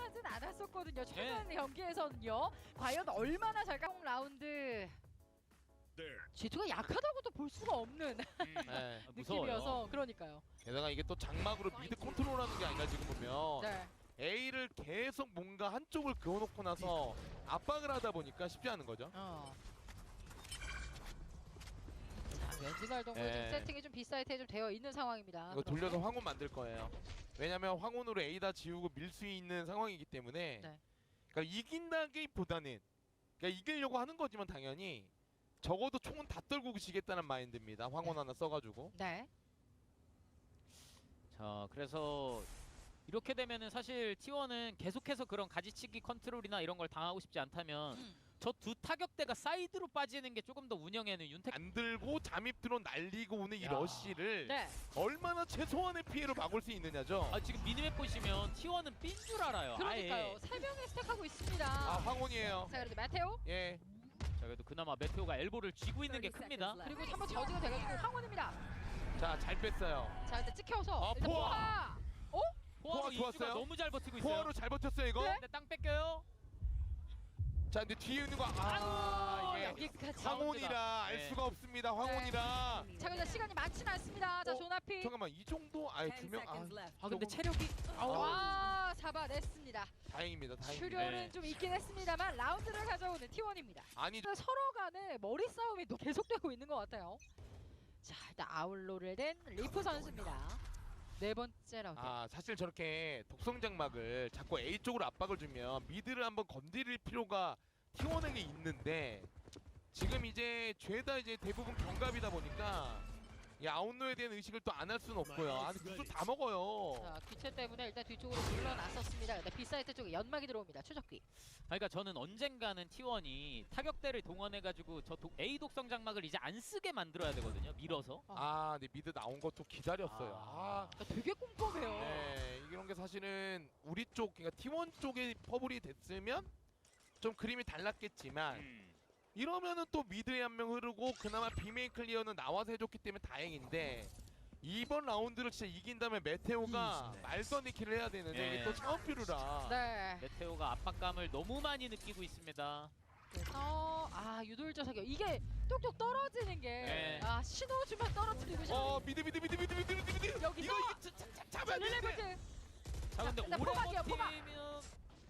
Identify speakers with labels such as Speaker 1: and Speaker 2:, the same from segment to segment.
Speaker 1: 나쁘진 않았었거든요. 최근 경기에서는요. 과연 얼마나 잘까? 라운드 G2가 약하다고도 볼 수가 없는
Speaker 2: 네,
Speaker 1: 느낌이어서 그러니까요.
Speaker 2: 게다가 이게 또 장막으로 미드 컨트롤하는 게 아니라 지금 보면
Speaker 1: 네.
Speaker 2: A를 계속 뭔가 한쪽을 그어놓고 나서 압박을 하다 보니까 쉽지 않은 거죠.
Speaker 1: 자, 왼지발 동물
Speaker 2: 네.
Speaker 1: 지금 세팅이 좀 비사이트에 좀 되어 있는 상황입니다.
Speaker 2: 이거 돌려서 황혼 만들 거예요. 왜냐면 황혼으로 A 다 지우고 밀 수 있는 상황이기 때문에
Speaker 1: 네.
Speaker 2: 그러니까 이긴다기보다는 그러니까 이기려고 하는 거지만 당연히 적어도 총은 다 떨고 지겠다는 마인드입니다. 황혼 하나 써가지고.
Speaker 1: 네.
Speaker 3: 자, 그래서 이렇게 되면은 사실 T1은 계속해서 그런 가지치기 컨트롤이나 이런 걸 당하고 싶지 않다면 저 두 타격대가 사이드로 빠지는 게 조금 더 운영에는 윤택
Speaker 2: 안 들고 잠입 드론 날리고 오는 이
Speaker 3: 야.
Speaker 2: 러쉬를
Speaker 1: 네.
Speaker 2: 얼마나 최소한의 피해로 막을 수 있느냐죠.
Speaker 3: 아, 지금 미니맵 보시면 T1은 삔 줄 알아요.
Speaker 1: 그러니까요.
Speaker 3: 아예.
Speaker 1: 세 명이 스택하고 있습니다.
Speaker 2: 아 황혼이에요.
Speaker 1: 자, 그래도 마테오
Speaker 2: 예.
Speaker 3: 자, 그래도 그나마 메테오가 엘보를 쥐고 있는 게 큽니다.
Speaker 1: 그리고 한번 저지가 돼가지고 황혼입니다.
Speaker 2: 자 잘 뺐어요.
Speaker 1: 자, 일단 찍혀서
Speaker 2: 아,
Speaker 1: 일단
Speaker 2: 포화!
Speaker 1: 포화. 어?
Speaker 3: 포화로
Speaker 2: 포화
Speaker 3: 이주가
Speaker 2: 좋았어요?
Speaker 3: 너무 잘 버티고 있어요.
Speaker 2: 포화로 잘 버텼어요 이거.
Speaker 1: 네?
Speaker 3: 근데 땅 뺏겨요.
Speaker 2: 자 근데 뒤에 있는 거
Speaker 1: 아이고,
Speaker 2: 이게
Speaker 1: 여기까지.
Speaker 2: 황혼이라 알
Speaker 3: 네.
Speaker 2: 수가 없습니다. 황혼이라.
Speaker 1: 자, 근데 시간이 많지는 않습니다. 자, 조나피.
Speaker 2: 잠깐만 이 정도 아예 두명
Speaker 3: 아, 근데 체력이
Speaker 1: 와, 잡아냈습니다.
Speaker 2: 다행입니다. 다행입니다.
Speaker 1: 출혈은
Speaker 3: 네.
Speaker 1: 좀 있긴 했습니다만 라운드를 가져오는 T1입니다.
Speaker 2: 아니
Speaker 1: 서로 간에 머리 싸움이 또 계속되고 있는 것 같아요. 자, 일단 아울로를 낸 리프 선수입니다. 네 번째 라운드.
Speaker 2: 사실 저렇게 독성 장막을 자꾸 A 쪽으로 압박을 주면 미드를 한번 건드릴 필요가 T1에게 있는데 지금 이제 죄다 이제 대부분 경갑이다 보니까 이 아웃로에 대한 의식을 또 안 할 수는 없고요. 아니 구슬 다 먹어요.
Speaker 1: 자, 귀체 때문에 일단 뒤쪽으로 물러났었습니다. 근데 B사이트 쪽에 연막이 들어옵니다. 추적귀.
Speaker 3: 그러니까 저는 언젠가는 T1이 타격대를 동원해가지고 저 A 독성 장막을 이제 안 쓰게 만들어야 되거든요. 밀어서.
Speaker 2: 근데 미드 나온 것도 기다렸어요.
Speaker 1: 그러니까 되게 꼼꼼해요.
Speaker 2: 네, 이런 게 사실은 우리 쪽, 그러니까 T1 쪽에 퍼블이 됐으면 좀 그림이 달랐겠지만 이러면은 또 미드에 한 명 흐르고 그나마 비메인 클리어는 나와서 해줬기 때문에 다행인데 이번 라운드를 진짜 이긴다면 메테오가 말도 안 되는 킬을 해야 되는데
Speaker 3: 네.
Speaker 2: 이게 또 차원피루라.
Speaker 1: 네.
Speaker 3: 메테오가 압박감을 너무 많이 느끼고 있습니다.
Speaker 1: 그래서 유돌자 사격 이게 똑똑 떨어지는 게
Speaker 3: 네.
Speaker 1: 신호 주면 떨어뜨리고 싶어.
Speaker 2: 미드
Speaker 1: 여기서
Speaker 2: 이거 잡아야 되는데.
Speaker 1: 릴레볼트.
Speaker 3: 자, 근데
Speaker 1: 일단
Speaker 3: 오래
Speaker 1: 포박이요, 포박.
Speaker 3: 버티면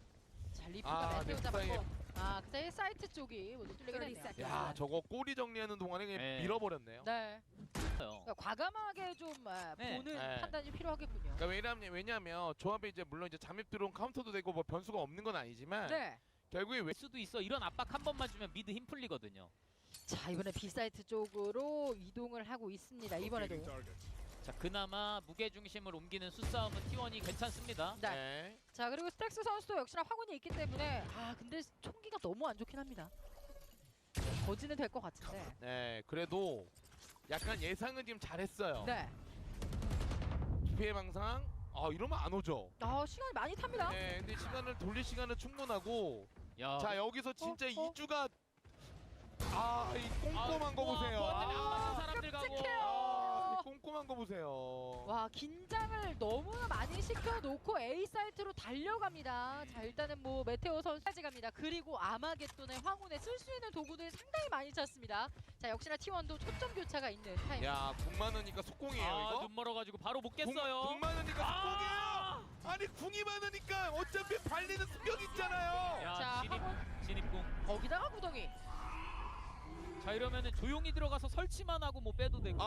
Speaker 1: 자, 리프가 메테오
Speaker 2: 네,
Speaker 1: 잡았고. 그 사이에 사이트 쪽이 먼저 뚫리게 됐네요.
Speaker 2: 야 저거 꼬리 정리하는 동안에 그냥
Speaker 3: 네.
Speaker 2: 밀어버렸네요.
Speaker 1: 네.
Speaker 3: 요
Speaker 1: 그러니까 과감하게 좀
Speaker 3: 네.
Speaker 1: 보는
Speaker 2: 네.
Speaker 1: 판단이 필요하겠군요.
Speaker 2: 그러니까 왜냐면 조합에 이제 물론 이제 잠입 들어온 카운터도 되고 뭐 변수가 없는 건 아니지만
Speaker 1: 네.
Speaker 2: 결국에
Speaker 3: 될 수도 있어. 이런 압박 한 번만 주면 미드 힘 풀리거든요.
Speaker 1: 자, 이번에 B사이트 쪽으로 이동을 하고 있습니다. 이번에도.
Speaker 3: 자, 그나마 무게 중심을 옮기는 수싸움은 T1이 괜찮습니다.
Speaker 1: 네. 자, 그리고 스택스 선수도 역시나 황혼이 있기 때문에 근데 총기가 너무 안 좋긴 합니다. 거지는 될 것 같은데.
Speaker 2: 네, 그래도 약간 예상은 지금 잘했어요.
Speaker 1: 네.
Speaker 2: 피해 망상. 이러면 안 오죠.
Speaker 1: 시간이 많이 탑니다.
Speaker 2: 네, 근데 시간을 돌릴 시간은 충분하고.
Speaker 3: 야,
Speaker 2: 자, 여기서 진짜
Speaker 1: 어?
Speaker 2: 이주가 이 꼼꼼한 거 보세요.
Speaker 3: 때문에 안 맞는 사람들 가고.
Speaker 1: 끔찍해요.
Speaker 2: 이 꼼꼼한 거 보세요.
Speaker 1: 와, 긴장을 너무나 많이 시켜놓고 A 사이트로 달려갑니다. 자, 일단은 뭐 메테오 선수까지 갑니다. 그리고 아마겟돈의 황혼에 쓸 수 있는 도구들 상당히 많이 찾습니다. 자, 역시나 T1도 초점 교차가 있는 타임.
Speaker 2: 야, 궁 많으니까 속공이에요, 이거?
Speaker 3: 눈 멀어가지고 바로 못
Speaker 2: 궁
Speaker 3: 깼어요.
Speaker 2: 많으니까 속공이에요. 아니, 궁이 많으니까 어차피 발리는 수벽 있잖아요.
Speaker 3: 야,
Speaker 1: 자,
Speaker 3: 진입궁.
Speaker 1: 거기다가 구덩이.
Speaker 3: 자, 이러면은 조용히 들어가서 설치만 하고 뭐 빼도 되고.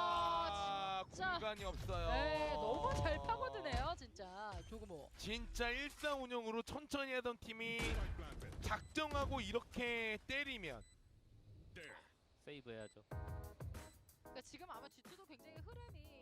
Speaker 1: 진짜.
Speaker 2: 공간이 없어요.
Speaker 1: 네, 너무 잘 파고드네요, 진짜. 조금호.
Speaker 2: 진짜 일사운영으로 천천히 하던 팀이 작정하고 이렇게 때리면
Speaker 3: 세이브 해야죠.
Speaker 1: 그러니까 지금 아마 G2도 굉장히 흐름이